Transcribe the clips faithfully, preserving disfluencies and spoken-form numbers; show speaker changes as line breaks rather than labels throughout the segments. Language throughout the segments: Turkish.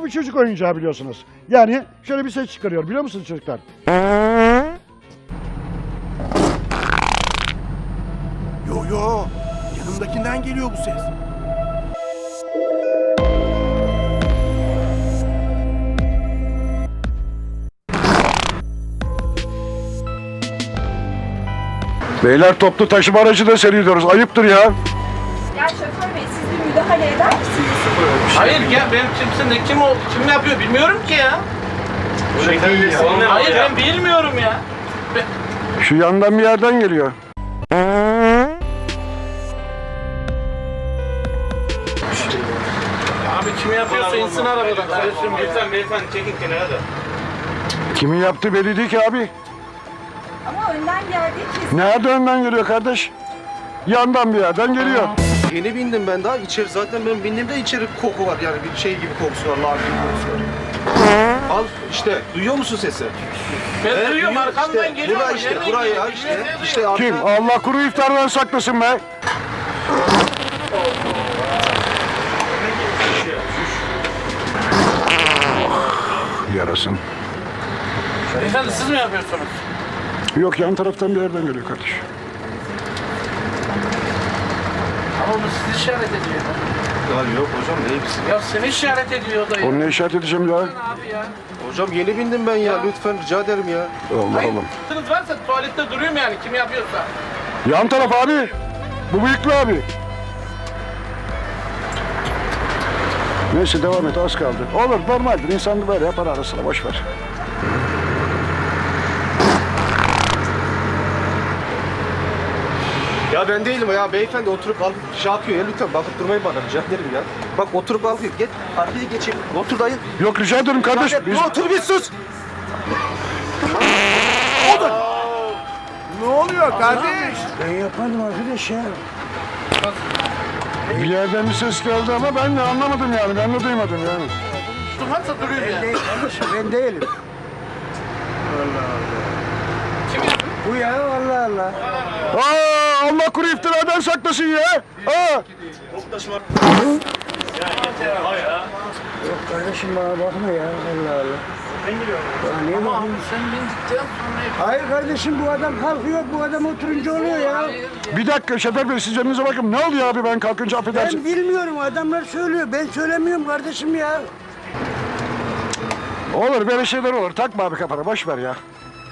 Bu bir çocuk oyuncağı biliyorsunuz. Yani şöyle bir ses çıkarıyor biliyor musunuz çocuklar?
Yo yo, yanımdakinden geliyor bu ses.
Beyler toplu taşıma aracı da seyrediyoruz. Ayıptır ya.
Ya şoför bey siz bir müdahale eder misiniz?
Hayır ya benim kimsin ne kim o kim yapıyor bilmiyorum ki ya.
Öyle değil ya.
Hayır ben bilmiyorum ya.
Şu yandan bir yerden geliyor.
Abi kim yapıyorsa insin arabadan.
Kardeşim lütfen beyefendi çekin kenara da.
Kimin yaptığı belli değil ki abi.
Ama önden geldiği kesin.
Nerede önden geliyor kardeş? Yandan bir yerden geliyor.
Yeni bindim ben daha. İçeri zaten ben bindiğimde içeri koku var yani bir şey gibi kokusu var, lağım gibi kokusu var. Al işte, duyuyor musun sesi?
Ben
Evet,
duyuyorum
duyuyor.
arkamdan
İşte,
geliyor.
Buraya
ama
işte,
nereden
buraya
geliyor?
işte,
Bilmiyorum,
işte arka.
Kim? Allah kuru iftardan saklasın be. Yarasın.
Beyefendi siz mi yapıyorsunuz?
Yok yan taraftan bir yerden geliyor kardeş.
Ama bu sizi işaret ediyor.
Ya yok hocam ne bilsin.
Ya seni işaret ediyor da ya.
Onu ne işaret edeceğim ya?
Abi ya.
Hocam yeni bindim ben ya, lütfen rica ederim ya.
Allah
Hayır,
Allah.
Hayır, varsa tuvalette duruyorum yani kim yapıyorsa.
Yan taraf abi. Bu bıyıklı abi. Neyse devam et az kaldı. Olur normaldir insan böyle yapar ara sıra boş ver.
Ya ben değilim ya beyefendi, oturup alıp şey yapıyor ya, lütfen bakıp durmayın bana, rica ederim ya. Bak oturup al, geç arkaya geçelim, otur dayı.
Yok rica ederim kardeş. Biz...
Otur bir sus. Ne oluyor kardeş?
Ben yapmadım arkadaş ya. Bir yerden bir ses geldi ama ben de anlamadım yani. Ben de duymadım yani.
Varsa duruyorum yani.
Ben değilim.
Kim yapıyor?
Bu ya Allah Allah. Aa, Allah kuru iftiradan saklasın ya. Aa. Yok kardeşim bana bakma ya Allah Allah. Ben niye
Ama abi sen bindikten sonra...
Hayır kardeşim bu adam kalkıyor, bu adam oturunca oluyor ya.
Bir dakika Şoför Bey siz önünüze bakın. Ne oluyor abi ben kalkınca affedersin.
Ben bilmiyorum, adamlar söylüyor. Ben söylemiyorum kardeşim ya.
Olur böyle şeyler olur. Takma abi kafana boş ver ya.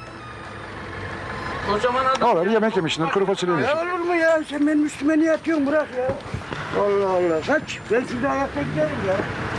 Kocaman adam.
Olur yemek yemişsin kuru fasulye
Ya
yemişsin.
olur mu ya? Sen benim üstüme niye atıyorsun? Bırak ya. Allah Allah. Kaç. Ben şurada ayakta giderim ya.